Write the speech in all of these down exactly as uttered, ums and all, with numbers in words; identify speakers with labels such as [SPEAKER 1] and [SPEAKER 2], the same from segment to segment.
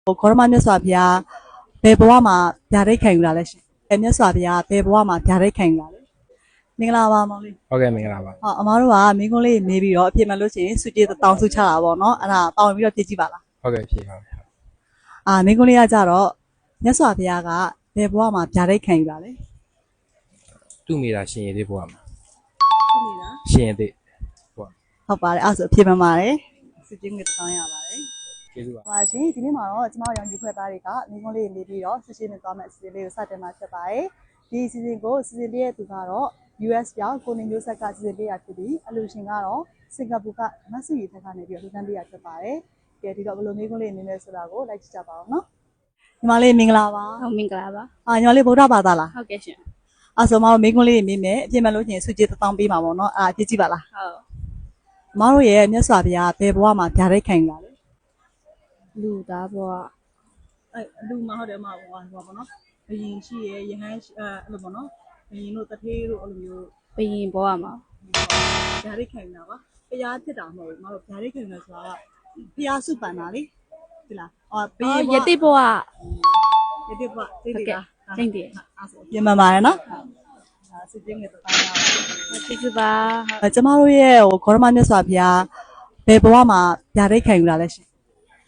[SPEAKER 1] ခေါရမမြတ်စွာဘုရားဘယ်ဘဝမှာဗျာဒိတ်ခံယူလာလဲရှင်။အဲမြတ်စွာဘုရားဘယ်ဘဝမှာဗျာဒိတ်ခံယူလာလဲ။မင်္ဂလာပါမောင်လေး။
[SPEAKER 2] ဟုတ်ကဲ့မင်္ဂလာပါ
[SPEAKER 1] ဟောအမားတို့ကမင်းကုန်းလေးမေးပြီးတော့အဖြစ်မှလို့ရှိရင်စုကြည်တောင်းစုချတာပေါ့နော်။အဲ့ဒါတောင်းပြီးတော့ပြည့်ကြည့်ပါလား
[SPEAKER 2] ။ဟုတ်ကဲ့ဖြေပါမယ်
[SPEAKER 1] ။အာမင်းကုန်းလေးကကြတော့မြတ်စွာဘုရားကဘယ်ဘဝမှာဗျာဒိတ်ခံယူလာလဲ
[SPEAKER 2] ။သူ့မိသားရှင်ရည်သေးဘဝမှာ
[SPEAKER 1] ။သူ့မိသား
[SPEAKER 2] ရှင်ရည်သေးဘဝ
[SPEAKER 1] ဟုတ်ပါတယ်အဲ့ဆိုအဖြစ်မှပါတယ်။စုကြည်ငွေတောင်းရပါတယ်
[SPEAKER 2] ။ကျေးဇူးပါ
[SPEAKER 1] ။ပါရှင်ဒီနေ့မှာတော့ကျမတို့ရောင်ကြီးဖွဲ့သားတွေကမင်းကုန်းလေးနေပြီးတော့ဆွရှင်းနေသွားမယ့်အစီအစဉ်လေးကိုစတင်မှာဖြစ်ပါတယ်။ဒီအစီအစဉ်ကိုအစီအစဉ်လေးရဲ့သူကတော့ U S ပြောင်းကိုနေမျိုးဆက်ကစီစဉ်ပေးရဖြစ်ပြီးအလူရှင်ကတော့စင်ကာပူကမဆူရီထက်ကနေပြီးတော့လူတန်းပေးရဖြစ်ပါတယ်။ကဲဒီတော့ဘယ်လိုမျိုးကုန်းလေးနေလဲဆိုတာကိုလိုက်ကြည့်ကြပါအောင်နော်။ညီမလေးမင်္ဂလာပါ
[SPEAKER 3] ။ဟုတ်မင်္ဂလာပါ
[SPEAKER 1] ။အာညီမလေးဗုဒ္ဓဘာသာလား
[SPEAKER 3] ။ဟုတ်ကဲ့ရှင်
[SPEAKER 1] ။အဲဆိုမတို့မင်းကုန်းလေးနေမိမယ်အပြည့်မဲ့လို့ချင်းစုကြည်တောင်းပေးမှာပေါ့နော်။အာပြည့်ကြည့်ပါလား
[SPEAKER 3] ။ဟုတ်
[SPEAKER 1] ။မတို့ရဲ့မြတ်စွာဘုရားဘယ်ဘဝမှာဗျာဒိတ်ခံလာလဲ
[SPEAKER 3] ။လူသားဘဝ
[SPEAKER 1] အဲလူမဟုတ်တယ်မဟုတ်ပါဘူးပေါ့နော်။ဘယင်ရှိရဲ့ယဟန်အဲအဲ့လိုပေါ့နော်။ဘယင်တို့တထေးတို့အဲ့လိုမျိုး
[SPEAKER 3] ဘယင်ဘဝမှာ
[SPEAKER 1] ဗျာဒိတ်ခံတာပါ။ဘုရားဖြစ်တာမဟုတ်ဘူး။မတို့ဗျာဒိတ်ခံတယ်ဆိုတာကဘုရားစုပန်တာလေ။ဟုတ်လား။အော်ဘယင်
[SPEAKER 3] ယတိဘဝ
[SPEAKER 1] ယတိဘဝသိတယ်လား
[SPEAKER 3] ။သိတယ်
[SPEAKER 1] ။အဲ့ဆိုပြင်မှန်ပါတယ်နော်။အာစစ်ကျင်းနဲ့တောင်းရပါ
[SPEAKER 3] ။ကျေးဇူးပါ
[SPEAKER 1] ။ကျမတို့ရဲ့ဟိုခေါရမမြတ်စွာဘုရားဘယ်ဘဝမှာဗျာဒိတ်ခံယူလာလဲရှင်
[SPEAKER 2] ။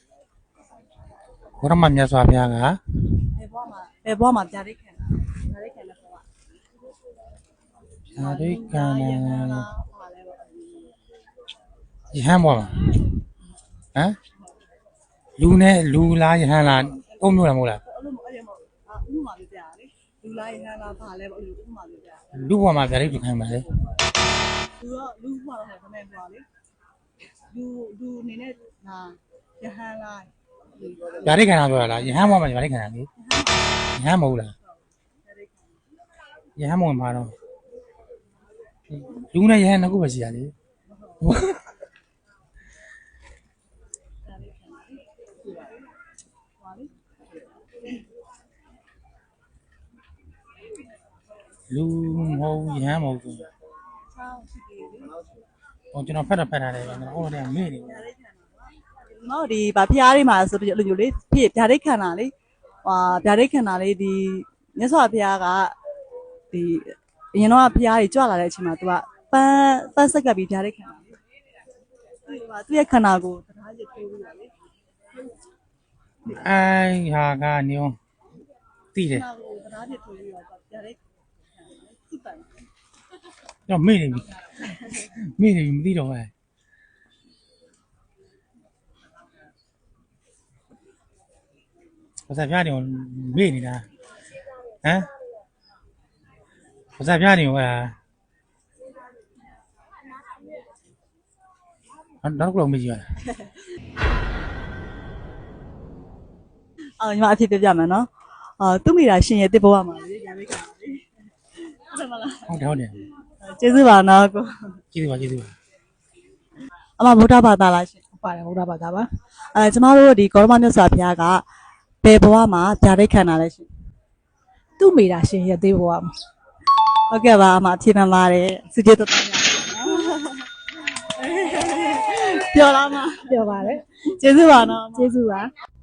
[SPEAKER 2] ခေါရမမြတ်စွာဘုရားက
[SPEAKER 1] ဘယ်ဘဝမှာဘယ်ဘဝမှာဗျာဒိတ်ခံဗျာဒိတ်ခံတဲ့ဘဝ
[SPEAKER 2] ဗျာဒိတ်ခံ
[SPEAKER 1] ရ
[SPEAKER 2] တဲ့
[SPEAKER 1] ဟန်း
[SPEAKER 2] ဘဝမှာဟမ်လူနဲ့လူလားယဟန်လားအုံမျိုးလားမဟုတ်လား
[SPEAKER 1] အဲ့လိုအဲ့လိုမဟုတ်အာဥပမာလေးပြရလေလူလားယဟန်လားဘာလဲပေါ့အဲ့လိုဥပမာလေးပြ
[SPEAKER 2] လူဘဝမှာဗျာဒိတ်ခံပါလေ
[SPEAKER 1] လူကလူဘဝတော့ခမဲဘဝလေလူလူအနေနဲ့ဟာယဟန်လား
[SPEAKER 2] ဗျာဒိတ်ခံတာပြောတာလားယဟန်ဘဝမှာဗျာဒိတ်ခံတာလေယဟန်မဟုတ်လားယဟန်မဟုတ်မှာတော့လူနဲ့ယဟန်နှစ်ခုပဲရှိရလေလူမဟုတ်ယဟန်မဟုတ်ဘူးဟောကျွန်တော်ဖတ်တာဖတ်တာလေကျွန်တော်ဟိုတည်းမေ့နေတယ်
[SPEAKER 1] မဟုတ်ဒီဗာဖျားလေးမှာဆိုပြီးလိုမျိုးလေးဖြစ်ဗျာဒိတ်ခံတာလေဟာဗျာဒိတ်ခံတာလေဒီမြတ်စွာဘုရားကဒီအရင်တော့ဖျားကြီးကြွလာတဲ့အချိန်မှာ तू ကပန်းပန်းဆက်ကပ်ပြီးဗျာဒိတ်ခံတာလေသူကသူ့ရဲ့ခန္ဓာကိုတရားရည်ထိုးပြီးတာလေ
[SPEAKER 2] အိုင်ဟာကနေအောင်သိတယ်
[SPEAKER 1] တရားရည်ထိုးပြီးတော့ဗျာဒိတ်သူ့ပန်း
[SPEAKER 2] တော့မေ့နေပြီမေ့နေပြီမသိတော့ဘူးဘာသာပြနေမေ့နေတာဟမ်ဘာသာပြနေဟောလားနောက်တော့မေ့ကြည့်ရလား
[SPEAKER 1] အော်ညီမအဖြစ်ပြပြမယ်နော်အာသူ့မိတာရှင်ရဲ့တစ်ဘဝမှာလေညာလေးခံပါလေဟုတ်တယ်မလား
[SPEAKER 2] ဟုတ်တယ်ဟုတ်တယ်
[SPEAKER 1] ကျေးဇူးပါနော်ကို
[SPEAKER 2] ကျေးဇူးပါကျေးဇူးပါ
[SPEAKER 1] အမဗုဒ္ဓဘာသာလားရှင်
[SPEAKER 3] ဟုတ်ပါတယ်ဗုဒ္ဓဘာသာပါ
[SPEAKER 1] အဲကျမတို့ဒီကောရမမြတ်စွာဘုရားကဘယ်ဘဝမှာဗျာဒိတ်ခံတာလဲရှင်
[SPEAKER 3] သူ့မိသားရှင်ရသေးဘဝမှာ
[SPEAKER 1] ဟုတ်ကဲ့ပါအမအဖြစ်မှန်ပါတယ်စုကြည်တော်တော်များပြောလားမ
[SPEAKER 3] ပြောပါတယ်
[SPEAKER 1] ကျေးဇူးပါနော်
[SPEAKER 3] ကျေးဇူးပါ